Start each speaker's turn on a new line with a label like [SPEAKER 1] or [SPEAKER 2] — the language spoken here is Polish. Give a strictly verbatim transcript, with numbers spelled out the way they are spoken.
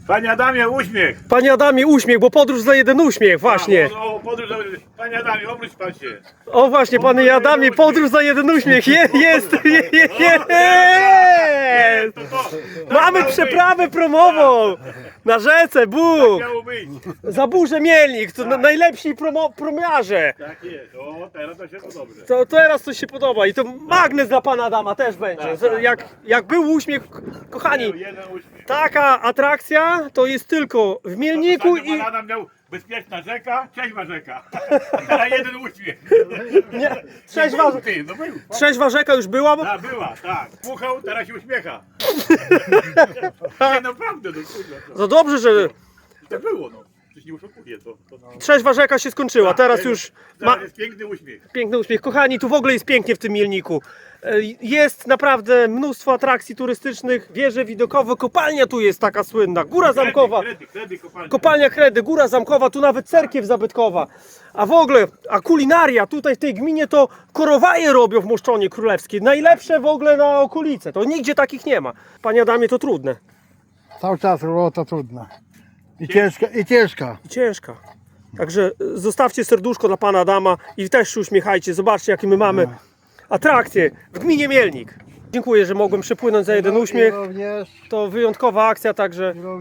[SPEAKER 1] Panie Adamie, uśmiech!
[SPEAKER 2] Panie Adamie, uśmiech, bo podróż za jeden uśmiech, właśnie.
[SPEAKER 1] A, o, o, podróż, panie Adamie, obróć pan się.
[SPEAKER 2] O właśnie, panie Adamie, podróż za jeden uśmiech. Je, jest, je, je, jest.
[SPEAKER 1] To, to, tak
[SPEAKER 2] Mamy
[SPEAKER 1] miało
[SPEAKER 2] przeprawę promową na rzece,
[SPEAKER 1] być,
[SPEAKER 2] Bóg.
[SPEAKER 1] miało być.
[SPEAKER 2] Za burzę Mielnik, to na- najlepsi promo, promiarze.
[SPEAKER 1] Tak jest, o, teraz to się to dobrze.
[SPEAKER 2] To teraz to się podoba i to magnes dla pana Adama też będzie. Z- Jak, jak był uśmiech, kochani,
[SPEAKER 1] Jeden uśmiech.
[SPEAKER 2] taka atrakcja to jest tylko w Mielniku
[SPEAKER 1] Ostatnio
[SPEAKER 2] i...
[SPEAKER 1] pan Adam miał bezpieczna rzeka, trzeźwa rzeka. A jeden uśmiech.
[SPEAKER 2] Nie, trzeźwa,
[SPEAKER 1] Był ty, no był.
[SPEAKER 2] trzeźwa rzeka już była, bo...
[SPEAKER 1] Ta, była, tak. Puchał, teraz się uśmiecha. Nie, naprawdę, no kurde.
[SPEAKER 2] Za dobrze, że
[SPEAKER 1] To było, no. Coś nie oszukuje to. to no.
[SPEAKER 2] trzeźwa rzeka się skończyła, teraz już ma
[SPEAKER 1] Teraz jest piękny uśmiech.
[SPEAKER 2] piękny uśmiech. Kochani, tu w ogóle jest pięknie w tym Mielniku. E, Jest naprawdę mnóstwo atrakcji turystycznych, wieże widokowe, kopalnia tu jest taka słynna, Góra Zamkowa.
[SPEAKER 1] Kredy, kredy, kopalnia.
[SPEAKER 2] Kopalnia Kredy, Góra Zamkowa, tu nawet cerkiew zabytkowa. A w ogóle, a kulinaria tutaj w tej gminie to korowaje robią w Moszczonie Królewskiej. Najlepsze w ogóle na okolice. To nigdzie takich nie ma. Panie Adamie, to trudne
[SPEAKER 3] Cały czas robota trudna. I ciężka, i ciężka.
[SPEAKER 2] i ciężka. Także y, zostawcie serduszko dla pana Adama i też się uśmiechajcie. Zobaczcie, jakie my mamy atrakcje w gminie Mielnik. Dziękuję, że mogłem przepłynąć za jeden
[SPEAKER 3] I
[SPEAKER 2] uśmiech.
[SPEAKER 3] również
[SPEAKER 2] To wyjątkowa akcja, także